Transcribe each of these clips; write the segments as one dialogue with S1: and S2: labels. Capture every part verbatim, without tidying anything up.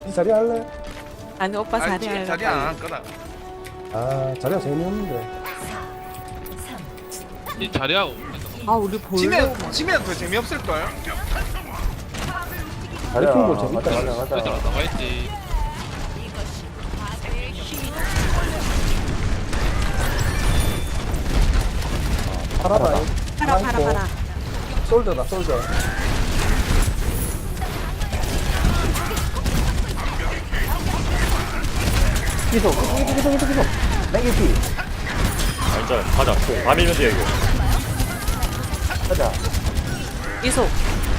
S1: 이 자리 할래?
S2: 아니 오빠
S3: 아니,
S2: 자리
S3: 자리
S2: 하려고.
S3: 안 할 거다.
S1: 아 자리가 재미없는데.
S4: 이 자리하고
S2: 아 우리 볼래.
S3: 지면 지면 더 재미없을 걸.
S1: 자리야.
S5: 가자
S1: 재밌다.
S5: 가자 가자
S4: 얘들아
S5: 가자
S4: 나와있지.
S1: 팔아봐.
S2: 팔아 팔아 팔아.
S1: 솔저다 솔저.
S5: 기소 기소 기소 기소 기소 내기피
S6: 완전 가자. 다 밀면 돼 이거.
S5: 가자
S2: 이소.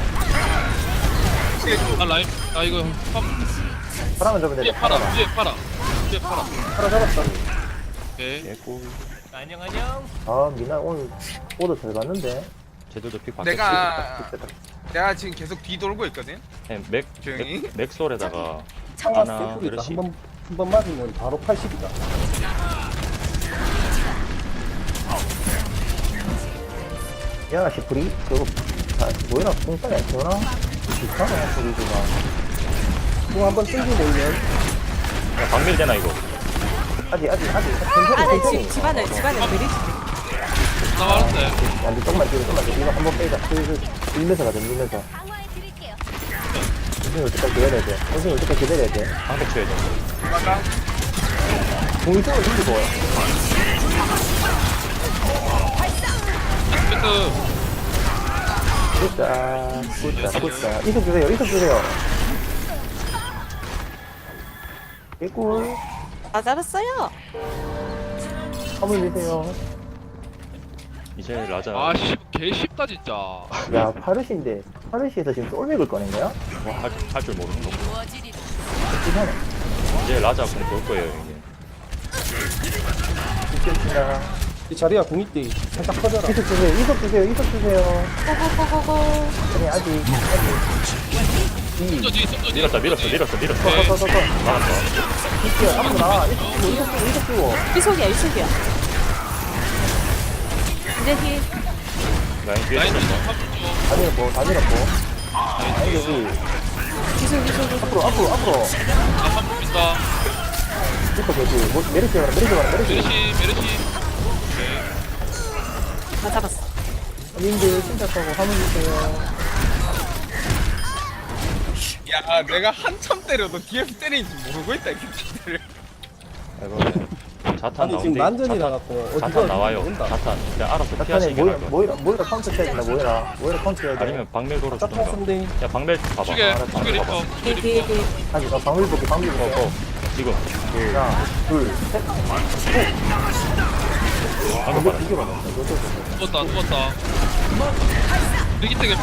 S4: 아 라임 아 이거 한
S5: 바람은 잡으면
S4: 위에
S5: 되지
S4: 팔아 위에 팔아 위에 팔아.
S1: 팔아 잡았다.
S4: 오케이.
S6: 개꿀.
S5: 아 미나 오늘 오도 잘 봤는데
S6: 쟤들도 픽 바뀌었지.
S3: 내가 내가 지금 계속 뒤돌고 있거든.
S6: 그냥 맥,
S3: 조용히.
S6: 맥 맥솔에다가
S1: 창가
S6: 하나
S1: 세프니까
S6: 그렇지.
S1: 한번 한 번 맞으면 바로 팔십이다.
S5: 야 시프리 그거 아, 뭐이라 공짜리 안 되나? 비싸네 소리가
S1: 뭐 한번 땡기 모이면
S6: 야, 박밀 되나 이거.
S5: 아직 아직 아직
S2: 아네
S5: 천천히
S2: 집
S5: 천천히
S2: 집안에 집안에 그리지.
S4: 나 말았대.
S5: 야 니 조금만 뒤로 조금만 뒤로 이거 한번 빼자 슬슬 밀면서 가자 밀면서 선생님 올 때까지 기다려야 돼 선생님 올 때까지 기다려야 돼
S6: 방백 쳐야 돼.
S3: 맞아.
S5: 공이 쪽을 힘들고
S4: 그
S5: 굿다 굿다 굿다 이속 주세요 이속 주세요 개꿀
S2: 다 잡았어요.
S5: 화물 주세요
S6: 이제 라자.
S4: 아씨 개 쉽다 진짜.
S5: 야 파르시인데 파르시에서 지금 솔맥을 꺼낸 거야?
S6: 할 줄 모르는 거.
S5: 이상해
S6: 이제 라자 공볼 거예요 이게.
S5: 죽겠습니다
S1: 이 자리야 공익대 살짝 커져라.
S5: 이속 주세요 이속 주세요 이속 주세요
S2: 고고고고고.
S5: 아니 아직 아직
S4: 손저 뒤 손저 뒤.
S6: 밀었다 밀었어 밀었어 밀었어.
S4: 오케이.
S5: 더더더더
S6: 나왔어.
S5: 이끼야 앞으로 나와 이속 주고 이속 주고 이속 주고
S2: 이속이야 이속이야. 이제 히.
S6: 라인 뒤에
S4: 라인
S6: 있었어.
S4: 좀
S5: 다 밀었고 다 밀었고 아니 여기
S2: 이속 이속 이속.
S5: 앞으로 앞으로 앞으로
S4: 한번 민다.
S5: 이속 되지 뭐 메르시 가라 메르시 가라 메르시
S4: 메르시 메르시.
S2: 다 잡았어.
S5: 님들 침착하고 화물 주세요
S3: 야 내가 한참 때려도 뒤에서 때리는지 모르고 있다 이 새끼들.
S6: 이번에 자탄
S1: 아니 지금
S6: 나온대.
S1: 난전이
S6: 자탄,
S1: 나갔고
S6: 자탄 나와요.
S1: 모른다.
S6: 자탄 그냥 알아서
S5: 자탄에
S6: 피하시게
S5: 모이라
S6: 할 거야.
S5: 모이라 모이라 카운터 쳐야 된다 모이라 모이라 카운터 쳐야 돼
S6: 아니면 박밀
S1: 짝짝
S6: 걸어주던가.
S1: 선대.
S6: 야 박밀 봐봐.
S4: 두개
S6: 알았어,
S4: 두개
S6: 봐봐.
S4: 리퍼.
S2: 뒤에 뒤에 뒤에.
S5: 아니 어 방울 볼게 방울 볼게
S6: 어, 지금
S5: 하나 둘셋
S6: 방금
S5: 이거
S6: 봐라.
S5: 이게 맞아 이거 또
S4: 누웠다 누웠다. 리기트 개피.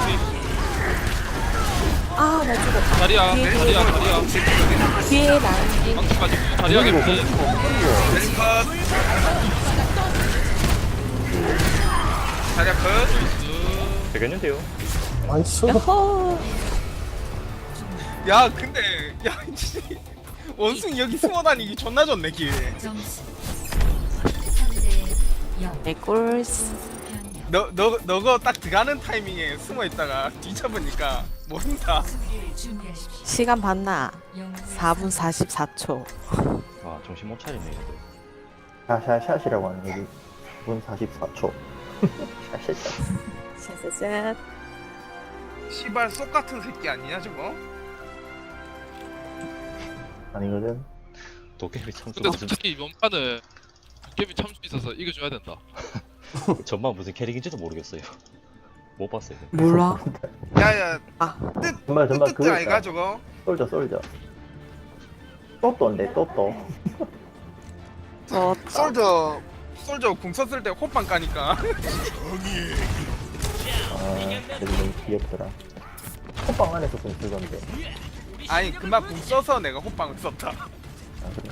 S2: 아나 죽었다.
S4: 자리야
S2: 뒤에, 뒤에.
S4: 자리야 자리야.
S2: 뒤에 나은지.
S4: 망치 가지고 자리야
S5: 그리고
S4: 개피.
S5: 그리고
S3: 자리야 컷.
S6: 되겠는데요?
S1: 아니 저
S2: 여호.
S3: 야 근데 야 씨, 원숭이 여기 숨어 다니기 존나 좋네 길.
S2: 개꿀스.
S3: 너 너 너거 딱 들어가는 타이밍에 숨어 있다가 뒤쳐보니까 모른다.
S2: 시간 봤나? 사 분 사십사 초.
S6: 와 정신 못 차리네. 얘들.
S5: 샤샤샷이라고 하는 여기 분 사십사 초 샤샤샷
S2: 짜자잔.
S3: 시발 쏙 같은 새끼 아니냐 저거?
S5: 아니거든
S6: 도깨비 참수
S4: 근데
S6: 무슨
S4: 솔직히 이번 판은 도깨비 참수 있어서 이겨줘야 된다.
S6: 전반 무슨 캐릭인지도 모르겠어요. 못 봤어요.
S2: 몰라.
S3: 야야
S2: 아.
S5: 정말 정말
S3: 뜻
S5: 그거
S3: 아이가
S5: 있다
S3: 저거?
S5: 솔져 솔져 또또인데 또또
S2: 저
S3: 솔저 솔저 궁 썼을 때 호빵 까니까.
S5: 아 그래도 너무 귀엽더라 호빵 안에서 좀 쓰던데
S3: 아니 그만 궁 써서 내가 호빵을 썼다.
S5: 아 그래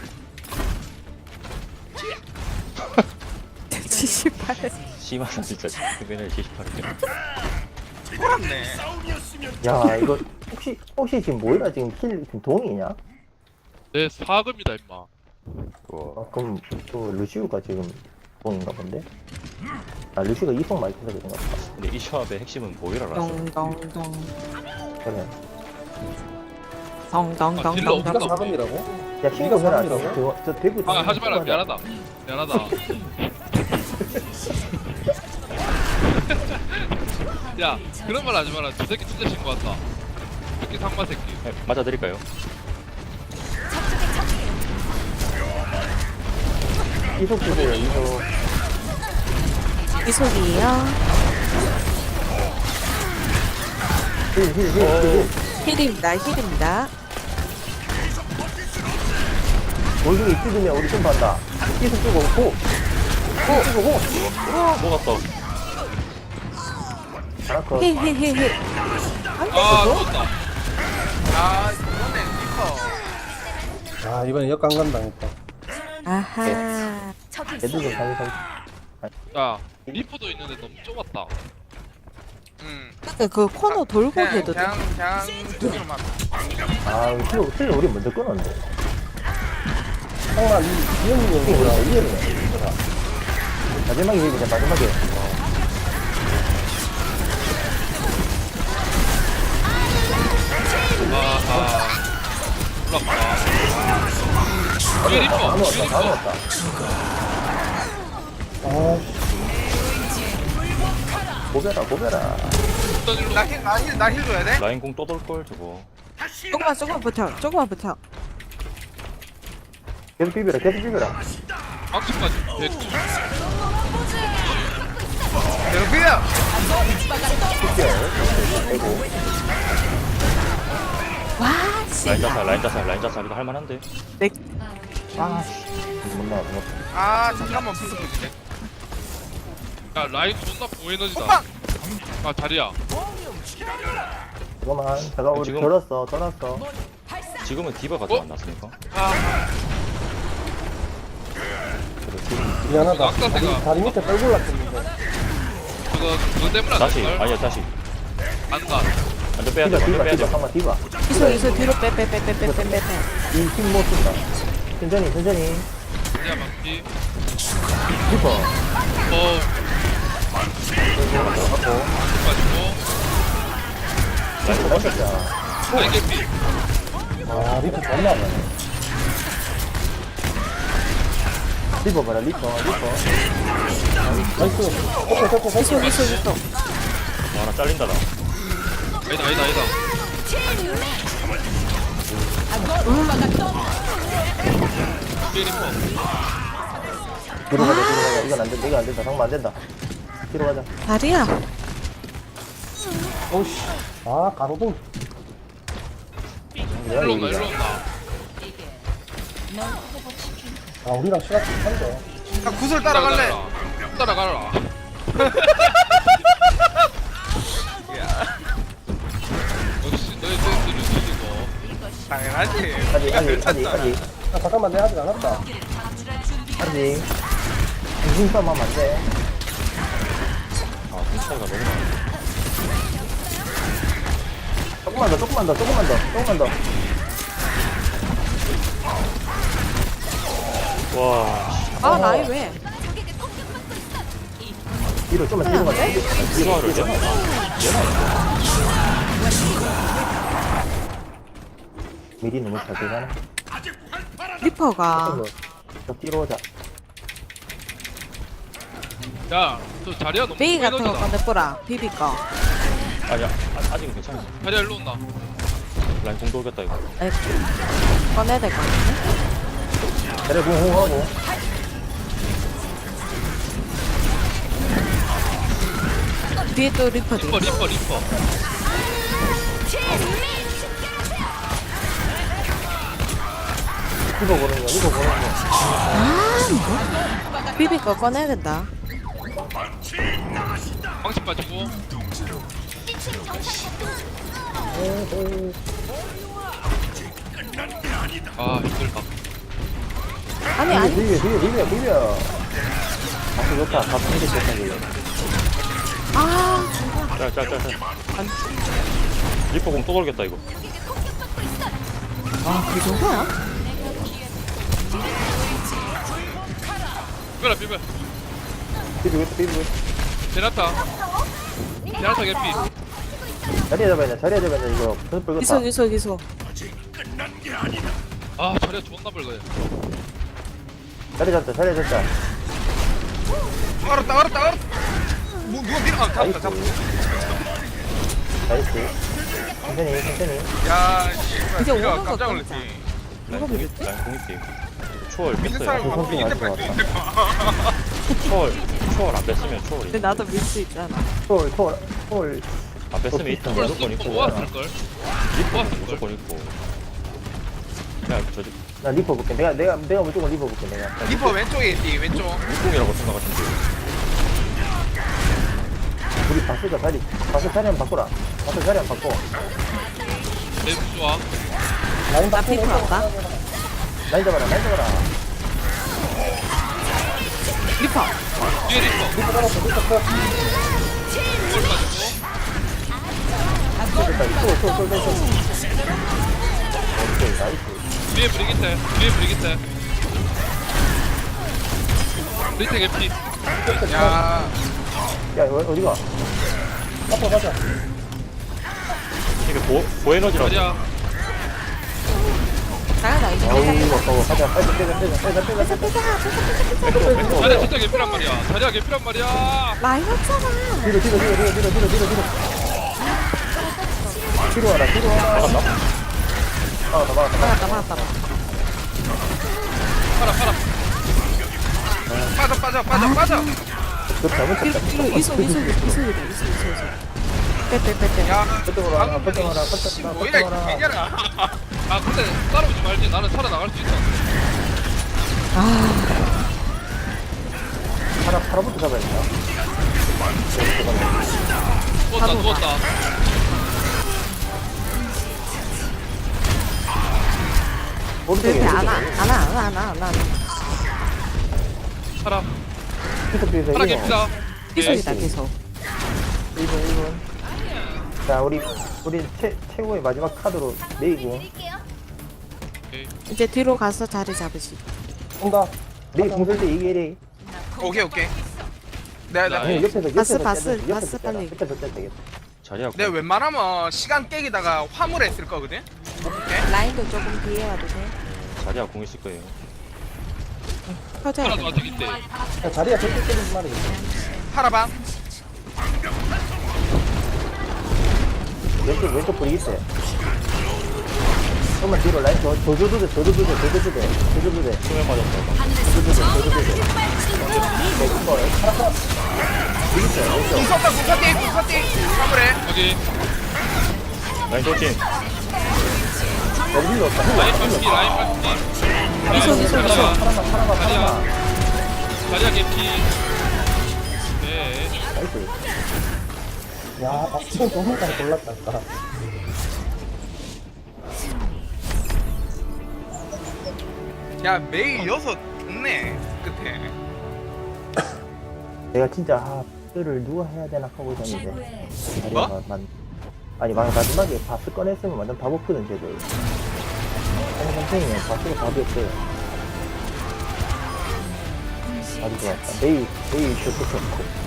S2: 칠십팔.
S6: 심하다 진짜. 맨날 칠십팔 개.
S3: 돌았네.
S5: 야 이거 혹시 혹시 지금 뭐이라 지금 킬 지금 동이냐?
S4: 내 사금이다 임마.
S5: 아, 그럼 또 루시우가 지금 동인가 본데? 아 루시우가 이성 많이 쳐서 그런가 보다
S6: 근데 이 조합의 핵심은 보이라라서.
S2: 동동동.
S5: 그래 아,
S1: 네가
S2: 덩덩덩덩덩.
S1: 사금이라고?
S5: 야 신고 해라. 저,
S1: 사람이라고?
S5: 저, 저 대구.
S4: 아 하지 마라 미안하다 미안하다 야 그런 말 하지 마라 저 새끼 진짜 신고한다 새끼 상마 새끼
S6: 네, 맞아드릴까요?
S5: 이속 주세요. 이속.
S2: 이속이에요.
S5: 힐힐힐힐
S2: 힐입니다. 힐입니다.
S5: 원숭이 뜯으면 우리 좀 받다. 이속 주고 고. 고 주고 고.
S6: 녹았어.
S5: 하나 컷.
S2: 힐힐힐힐.
S4: 아 죽었다
S3: 아 이번에 리퍼.
S1: 아 이번에 역강간 당했다.
S2: 아하.
S5: 애들 좀 살리 살리.
S4: 야 리퍼도 있는데 너무 좁았다
S3: 음.
S2: 그, 그 코너 돌고
S3: 그냥
S2: 해도 돼.
S3: 그냥 그냥 두개로만.
S5: 아 힐, 힐 우리 먼저 끊었는데.
S1: 정말 이 기영이
S5: 힐
S1: 형이라
S5: 우리 이해를 마지막에 힐 그냥 마지막에.
S4: 아하 올라가 뒤에 리퍼
S5: 다
S4: 뒤에
S5: 넣었다. 다
S4: 리퍼
S5: 넣었다.
S1: 아
S5: 고배라 고배라.
S4: 던질로
S3: 나힐나힐나힐 줘야 돼?
S6: 라인 공 또 돌걸 저거.
S2: 조금만 조금만 버텨. 조금만 버텨.
S5: 계속 비벼라 계속 비벼라.
S4: 방치까지 대충
S3: 대로피야.
S2: 와 씨.
S6: 라인 자살 라인 자살 라인 자살 이거 할만한데.
S2: 내
S5: 아 못 나와 못 나와.
S3: 아 잠깐만 무슨 소리지?
S4: 야 라인 존나 고에너지다
S3: 호빵.
S4: 아 자리야
S5: 잠깐만 잠깐 우리
S6: 지금-
S5: 돌았어 돌았어.
S6: 지금은 디바가
S4: 어?
S6: 더 안 났으니까.
S3: 아
S1: 미안하다.
S4: 아까
S1: 다리,
S4: 내가-
S1: 다리 밑에 떨굴 났었는데.
S4: 그거 그거 때문에 안
S6: 다시
S4: 될걸?
S6: 아니야 다시.
S4: 안가
S6: 완전 빼야
S5: 디바
S6: 돼 완전
S5: 디바
S6: 빼야
S5: 디바
S6: 돼.
S5: 잠깐만 디바.
S2: 이속 이속 뒤로 빼 빼 빼 빼 빼 빼 빼.
S5: 이힘못 쓴다. 천천히 천천히.
S4: 자리야 막기
S5: 디바.
S4: 어
S5: 하고.
S4: 가지고
S5: 맞았자.
S4: 라인 개피
S1: 아 리프 존나 안 나네.
S5: 리퍼 봐라 리퍼 리퍼.
S1: 나이스. 오케이 오케이 오케이.
S2: 이속 이속 이속.
S6: 와, 하나 잘린다 나.
S4: 아니다 아니다 아니다 뒤에 리퍼
S5: 뒤로 가자 뒤로 가자. 이건 안 된다 이건 안 된다. 상마 안 된다. 뒤로 가자.
S2: 다리야.
S1: 오씨. 아 가로등.
S4: 일로 온다 일로 온다
S1: 아 우리랑 시간 비슷한데.
S3: 나 구슬 따라갈래.
S4: 따라가라 역시 너희 센스를 지니고
S3: 당연하지.
S5: 아직 아직 아직 아직
S1: 아 잠깐만 내 아직 안 왔다.
S5: 아직. 중심싸움 하면 안 돼.
S6: 아 공차이가 너무 많아.
S5: 조금만 더 조금만 더 조금만 더 조금만 더.
S6: 와.
S2: 아 라인 왜?
S5: 뒤로 좀만 뒤로 가자.
S6: 디바를 내가
S5: 미리 너무 잘 되잖아.
S2: 리퍼가
S5: 더 뒤로 오자.
S4: 야저 자리야 너무
S2: 베이 같은 거
S4: 에너지다
S2: 꺼내보라. 비비 거.
S6: 아니야 아, 아직은 괜찮아.
S4: 자리야 일로 온다
S6: 라인 공 돌겠다 이거.
S2: 에, 꺼내야 될 것 같은데?
S5: 자리 공호하고.
S2: 뒤에 또 리퍼
S4: 리퍼
S2: 뒤.
S4: 리퍼 리퍼
S5: 리퍼 보는 거 리퍼 보는 거.
S2: 비비 거 꺼내야 된다.
S4: 방치 빠지고 아 힘들다
S2: 아니 아니.
S5: 비벼 비벼 비벼 비벼. 아 좋다. 다 통제 좋다 이거.
S2: 아
S6: 짤짤짤짤. 리퍼 공 또 돌겠다 이거.
S2: 아, 그 정도야?
S4: 비벼라 비벼
S5: 비벼 비벼.
S4: 제나타 제나타 개피
S5: 자리에 잡아야 돼. 자리에 잡아야 돼. 이거 손 뻘겋다.
S2: 이속 이속 이속.
S4: 아 자리가 존나 벌거든.
S5: 자리 잡자, 자리 잡자.
S3: 알았다 알았다 알았다. 뭐 누가 밀어? 아 잡았다 잡았다.
S5: 나이스. 천천히, 천천히.
S3: 야 씨발
S2: 이제
S3: 내가
S2: 오는 거
S3: 깜짝
S2: 끊자.
S3: 놀랐지.
S2: 누가 밀었지?
S6: 라인 공입기. 초월
S3: 믿는
S6: 뺐어요.
S3: 사람
S5: 그
S3: 방법이
S5: 선수
S3: 이때
S5: 아직
S3: 빨리
S6: 초월, 초월 안 뺐으면 초월이.
S2: 근데 나도 밀 수 있잖아.
S5: 초월, 초월, 초월.
S6: 안 뺐으면 이쪽
S4: 이걸
S6: 무조건
S4: 쓰고
S6: 있고.
S4: 모았을걸? 모았을걸?
S6: 무조건 있고. 그냥 저
S5: 나 리퍼 볼게. 내가, 내가, 내가 무조건 리퍼 볼게, 내가.
S3: 리퍼 왼쪽에 있지 왼쪽.
S6: 육공이라고 생각하시면 돼요.
S5: 우리 바스가 자리, 바스 자리 한번 바꾸라. 바스 자리 한번 바꿔.
S4: 내 좋아.
S1: 라인
S2: 나
S1: 바꾸고
S2: 피부 할까?
S5: 라인 잡아라, 라인 잡아라.
S2: 리퍼.
S4: 뒤에 리퍼.
S1: 리퍼 잡았어 리퍼 컷.
S4: 이걸 가지고.
S5: 됐다, 초월, 초월, 초월, 초월. 오케이, 나이스.
S4: 뒤에 브리기테. 뒤에 브리기테. 리테 개피.
S3: 야
S5: 야, 어, 어디가?
S1: 앞으로 가자.
S6: 이게 보, 보에너지라고.
S4: 자리야.
S2: 나가자 이제.
S5: 어우, 아까워. 가자, 빨리 빼자, 빼자, 빼자, 빼자, 빼자.
S4: 자리야 진짜 개피란 말이야. 자리야 개피란 말이야.
S2: 라인 없잖아.
S5: 뒤로, 뒤로, 뒤로, 뒤로, 뒤로, 뒤로, 뒤로, 뒤로. 뒤로 와라, 뒤로 와라. 막았나? 막았다, 막았다.
S2: 막았다 막았다.
S4: 팔아 팔아.
S3: 빠져 빠져 빠져 빠져.
S5: 그 잘못
S2: 뒤로
S5: 쳤다.
S2: 뒤로 이소 이소 이소 이소 이소 이소. 빼빼빼빼.
S3: 야
S5: 뻗어라, 뻗어라,
S3: 방금
S5: 뻗어라,
S3: 씨,
S5: 뻗어라,
S3: 뭐야 이
S5: 뻗어라.
S3: 개냐라.
S4: 아 근데 따라오지 말지. 나는 살아나갈 수 있어.
S2: 아
S5: 하나, 하나부터 잡아야겠다.
S4: 누웠다
S2: 바로
S4: 누웠다.
S5: 오른쪽에,
S2: 그렇게 안와
S5: 오른쪽에.
S2: 안와 안와 안와 안와.
S4: 팔아.
S5: 계속 뒤에서
S4: 팔아
S5: 이거.
S4: 개피다.
S2: 기술이다 계속.
S5: 일 분, 일 분. 자, 우리, 우리 최, 최고의 마지막 카드로 메이고.
S4: 오케이.
S2: 이제 뒤로 가서 자리 잡으시.
S1: 온다.
S5: 메이 공쓸 때 이게 이래.
S3: 오케이 오케이. 내가 내가
S5: 아니, 옆에서,
S2: 바스,
S5: 옆에서
S2: 바스,
S5: 떼야 돼, 옆에서
S2: 바스
S5: 떼야 돼,
S2: 빨리.
S5: 옆에서 떼야 되겠다.
S6: 자리야.
S3: 내가 웬만하면 시간 깨기다가 화물했을 거거든. 오케이.
S2: 라인도 조금 뒤에 와도 돼.
S6: 자리야 공 있을 거예요.
S2: 터져야
S4: 팔아도
S2: 돼.
S4: 아직 있대.
S1: 야, 자리야 절대 때리지 말이겠다.
S3: 팔아봐.
S5: 왼쪽, 왼쪽 브리기 때. 조금만 뒤로 라인 더, 더 줘도 돼, 더 줘도 돼, 더 줘도 돼, 더 줘도 돼.
S6: 수면 맞았다.
S5: 더 줘도 돼, 더 줘도 돼. 네, 이거, 하나, 브리기 때, 왼쪽.
S3: 궁섰다 궁섰디 궁섰디 화물해.
S4: 여기
S6: 라인 돌진.
S5: 야, 힐러 없다, 힐러
S4: 라인
S5: 없다,
S4: 빨리
S5: 힐러
S4: 라인
S5: 없다.
S4: 빨리.
S2: 이소 이소 이소.
S5: 하나만, 하나만,
S4: 자리야.
S5: 하나만.
S4: 자리야 개피. 네.
S5: 나이스.
S1: 야 박지원 너무까지 골랐다. 아까.
S3: 야 메이 여섯 있네 끝에.
S5: 내가 진짜, 아, 를 누가 해야 되나 하고 있었는데.
S3: 뭐?
S5: 자리가 만, 아니, 마- 마지막에 바스 꺼냈으면 완전 답 없거든, 쟤들. 아니, 선생님은 바스가 답이 없어요. 아주 좋았다. 메이, 메이 슈퍼 좋고.